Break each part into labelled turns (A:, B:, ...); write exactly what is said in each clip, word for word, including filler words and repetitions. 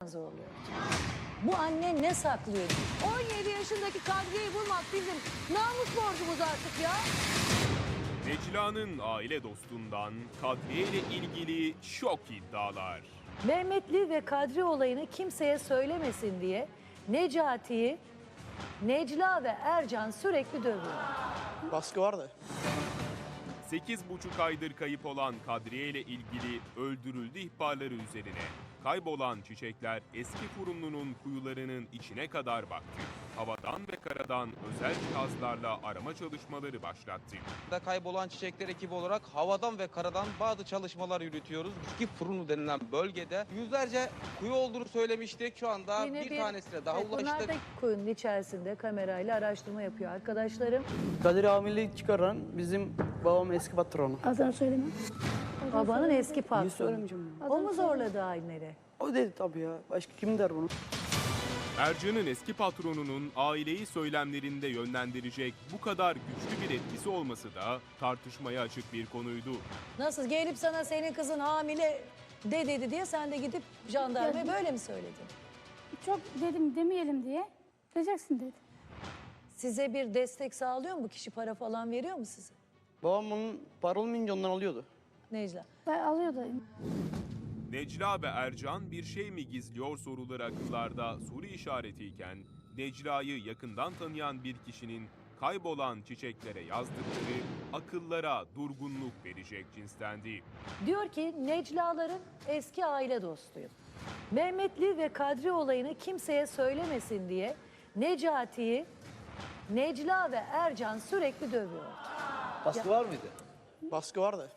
A: zorluyor. Bu anne ne saklıyor? on yedi yaşındaki Kadriye'yi bulmak bizim namus borcumuz artık ya.
B: Necla'nın aile dostundan Kadriye ile ilgili şok iddialar.
A: Mehmetli ve Kadri olayını kimseye söylemesin diye Necati'yi Necla ve Ercan sürekli dövüyor.
C: Baskı vardı.
B: sekiz buçuk aydır kayıp olan Kadriye ile ilgili öldürüldü ihbarları üzerine kaybolan çiçekler eski Furunlu'nun kuyularının içine kadar baktı. Havadan ve karadan özel cihazlarla arama çalışmaları başlattı.
D: Da kaybolan çiçekler ekibi olarak havadan ve karadan bazı çalışmalar yürütüyoruz. Eski Furunlu denilen bölgede yüzlerce kuyu olduğunu söylemiştik. Şu anda
A: Yine
D: bir, tanesine daha
A: evet, bunlar
D: ulaştık.
A: da kuyunun içerisinde kamerayla araştırma yapıyor arkadaşlarım.
C: Kadir hamilelik çıkaran bizim babam eski patronu.
E: Adını söylemem.
A: Babanın eski
C: Niye
A: patronu.
C: söylemeyeceğim bunu?
A: O mu zorladı aileleri?
C: O dedi tabii ya. Başka kim der bunu?
B: Ercan'ın eski patronunun aileyi söylemlerinde yönlendirecek bu kadar güçlü bir etkisi olması da tartışmaya açık bir konuydu.
A: Nasıl gelip sana senin kızın hamile de dedi diye sen de gidip jandarmaya
E: Ya-
A: böyle mi söyledin?
E: Çok dedim demeyelim diye. Diyeceksin dedi.
A: Size bir destek sağlıyor mu bu kişi, para falan veriyor mu size?
C: Babam onun para olmayınca ondan alıyordu.
A: Necla.
E: Ben alıyordu.
B: Necla ve Ercan bir şey mi gizliyor soruları akıllarda soru işaretiyken Necla'yı yakından tanıyan bir kişinin kaybolan çiçeklere yazdıkları akıllara durgunluk verecek cinstendi.
A: Diyor ki Necla'ların eski aile dostuyum. Mehmetli ve Kadri olayını kimseye söylemesin diye Necati'yi Necla ve Ercan sürekli dövüyor.
F: Baskı var mıydı?
C: Baskı vardı.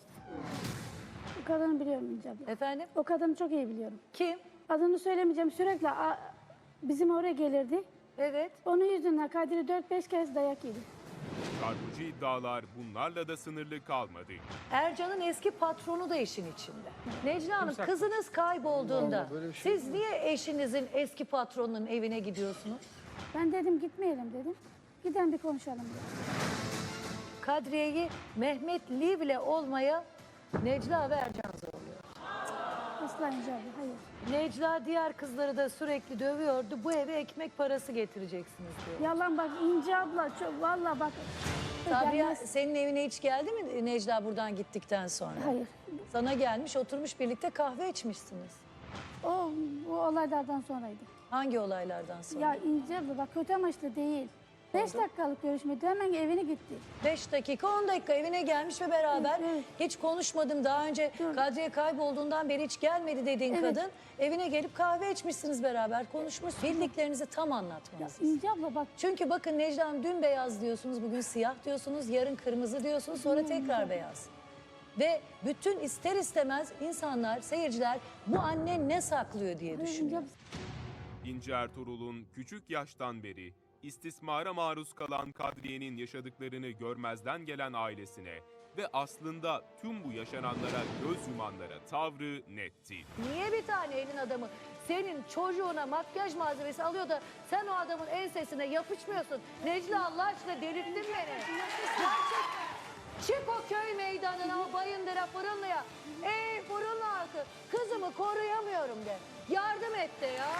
E: O kadını biliyorum İnce abla.
A: Efendim?
E: O kadını çok iyi biliyorum.
A: Kim?
E: Adını söylemeyeceğim, sürekli a- bizim oraya gelirdi.
A: Evet.
E: Onun yüzünden Kadir'i dört beş kez dayak yedi.
B: Çarpıcı iddialar bunlarla da sınırlı kalmadı.
A: Ercan'ın eski patronu da işin içinde. Necla Hanım, kızınız kaybolduğunda siz niye eşinizin eski patronunun evine gidiyorsunuz?
E: Ben dedim gitmeyelim dedim. Giden bir konuşalım dedim.
A: Kadriye'yi Mehmet Liv'le olmaya Necla ve Ercan zorluyor.
E: Asla İnce abla, hayır.
A: Necla diğer kızları da sürekli dövüyordu. Bu eve ekmek parası getireceksiniz diyor.
E: Yalan bak İnce abla, çok valla bak.
A: Sabriye
E: Gelmez.
A: senin evine hiç geldi mi Necla buradan gittikten sonra?
E: Hayır.
A: Sana gelmiş, oturmuş birlikte kahve içmişsiniz.
E: O, o olaylardan sonraydı.
A: Hangi olaylardan sonra?
E: Ya İnce abla bak kötü amaçlı değil. Beş dakikalık görüşmeydi, hemen evine gitti.
A: Beş dakika, on dakika evine gelmiş ve beraber
E: Evet, evet.
A: hiç konuşmadım daha önce
E: Dur.
A: Kadriye kaybolduğundan beri hiç gelmedi dediğin
E: Evet.
A: kadın evine gelip kahve içmişsiniz beraber, konuşmuş. Bildiklerinizi tam
E: Ya
A: anlatmalısınız.
E: İnce abla bak
A: Çünkü bakın Necla Hanım, dün beyaz diyorsunuz, bugün siyah diyorsunuz, yarın kırmızı diyorsunuz, sonra tekrar beyaz. Ve bütün ister istemez insanlar, seyirciler bu anne ne saklıyor diye
E: İnce
A: düşünüyor.
E: abla.
B: İnci Ertuğrul'un küçük yaştan beri istismara maruz kalan Kadriye'nin yaşadıklarını görmezden gelen ailesine ve aslında tüm bu yaşananlara göz yumanlara tavrı netti.
A: Niye bir tane elin adamı senin çocuğuna makyaj malzemesi alıyor da sen o adamın ensesine yapışmıyorsun? Necla, Allah aşkına delirttin beni. Gerçekten. Çık o köy meydanına, o Bayındır'a, Fırınlı'ya. Ey Fırınlı halkı, kızımı koruyamıyorum de. Yardım et de ya.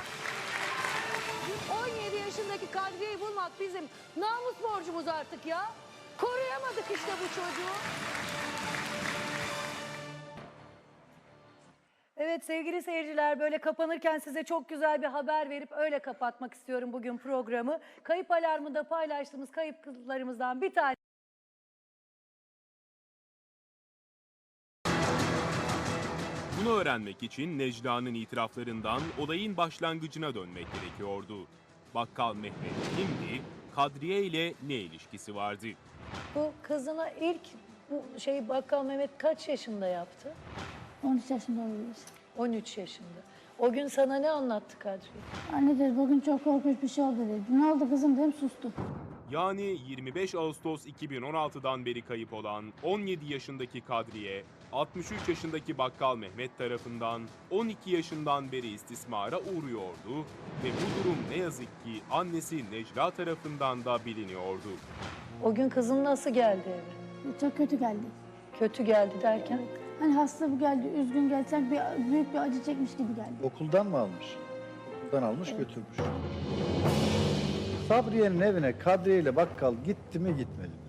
A: on yedi yaşındaki Kadriye'yi bulmak bizim namus borcumuz artık ya. Koruyamadık işte bu çocuğu. Evet sevgili seyirciler, böyle kapanırken size çok güzel bir haber verip öyle kapatmak istiyorum bugün programı. Kayıp alarmında paylaştığımız kayıplarımızdan bir tane.
B: Bunu öğrenmek için Necla'nın itiraflarından olayın başlangıcına dönmek gerekiyordu. Bakkal Mehmet kimdi? Kadriye ile ne ilişkisi vardı?
A: Bu kızına ilk bu şey Bakkal Mehmet kaç yaşında yaptı?
E: on üç yaşında oluyoruz.
A: on üç yaşında. O gün sana ne anlattı Kadriye?
E: Anne dedi bugün çok korkunç bir şey oldu dedi. Ne oldu kızım dedim, sustu.
B: Yani yirmi beş Ağustos iki bin on altıdan beri kayıp olan on yedi yaşındaki Kadriye, altmış üç yaşındaki Bakkal Mehmet tarafından on iki yaşından beri istismara uğruyordu ve bu durum ne yazık ki annesi Necla tarafından da biliniyordu.
A: O gün kızın nasıl geldi eve?
E: Çok kötü geldi.
A: Kötü geldi derken?
E: Hani hasta bu geldi, üzgün geldi, sanki bir, büyük bir acı çekmiş gibi geldi.
F: Okuldan mı almış? Buradan almış götürmüş. Sabriye'nin evine Kadriye ile bakkal gitti mi gitmedi mi?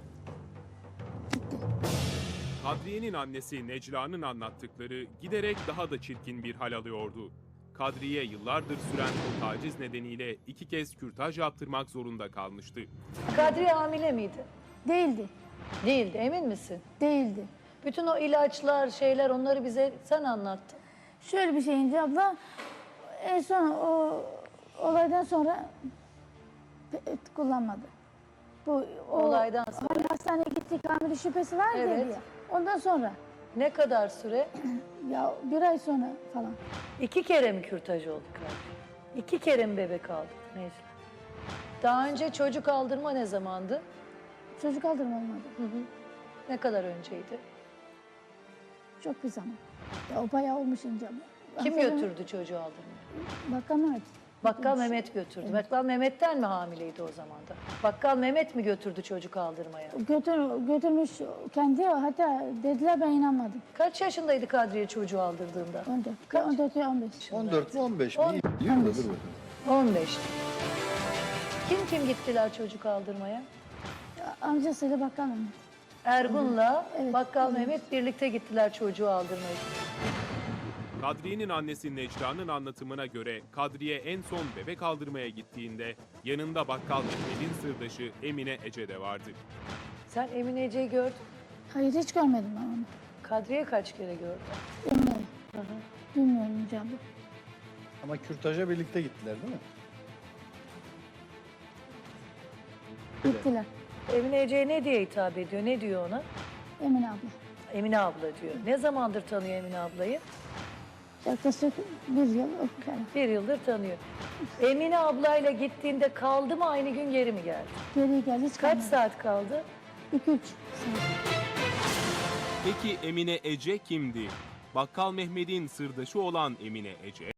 B: Kadriye'nin annesi Necla'nın anlattıkları giderek daha da çirkin bir hal alıyordu. Kadriye yıllardır süren o taciz nedeniyle iki kez kürtaj yaptırmak zorunda kalmıştı.
A: Kadriye hamile miydi?
E: Değildi.
A: Değildi, emin misin?
E: Değildi.
A: Bütün o ilaçlar, şeyler onları bize sen anlattın.
E: Şöyle bir şey İnce abla. En son o olaydan sonra pe- kullanmadı. Bu o,
A: Olaydan sonra.
E: Hani hastaneye gittik hamile şüphesi var
A: Evet.
E: ya. Ondan sonra
A: Ne kadar süre?
E: ya bir ay sonra falan.
A: İki kere mi kürtaj oldu Kadriye? İki kere mi bebek aldı Necla? Daha önce çocuk aldırma ne zamandı?
E: Çocuk aldırma olmadı.
A: Ne kadar önceydi?
E: Çok bir zaman. Ya o bayağı olmuş İnce abla.
A: Kim
E: Hatırlamıyorum.
A: götürdü çocuğu aldırmaya?
E: Bakkal Mehmet.
A: Bakkal Mehmet götürdü. Bakkal Mehmet'ten mi hamileydi o zaman da? Bakkal Mehmet mi götürdü çocuk aldırmaya?
E: Götür, götürmüş kendi, hatta dediler ben inanmadım.
A: Kaç yaşındaydı Kadriye çocuğu aldırdığında?
E: on dört.
A: Kaç?
E: on dört ya on beş.
F: on dört mü on beş mi?
A: On-
F: İyi biliyor da dur bakalım.
A: on beş. Kim kim gittiler çocuk aldırmaya?
E: Amcasıyla bakkal Mehmet.
A: Ergun'la
E: Evet,
A: Bakkal
E: evet.
A: Mehmet birlikte gittiler çocuğu aldırmaya.
B: Kadriye'nin annesi Necla'nın anlatımına göre Kadriye en son bebek aldırmaya gittiğinde yanında bakkal Mehmet'in sırdaşı Emine Ece de vardı.
A: Sen Emine Ece'yi gördün.
E: Hayır hiç görmedim ben onu.
A: Kadriye kaç kere gördün?
E: Emine'yi. Bilmiyorum İnce abla.
F: Ama kürtaja birlikte gittiler değil mi?
E: Gittiler.
A: Emine Ece'ye ne diye hitap ediyor? Ne diyor ona?
E: Emine abla.
A: Emine abla diyor. Ne zamandır tanıyor Emine ablayı?
E: Yaklaşık bir yıl o kadar.
A: Bir yıldır tanıyor. Emine ablayla gittiğinde kaldı mı aynı gün geri mi geldi?
E: Geri geldi hiç
A: Kaç
E: kalmadı.
A: saat kaldı?
E: İki üç saat.
B: Peki Emine Ece kimdi? Bakkal Mehmet'in sırdaşı olan Emine Ece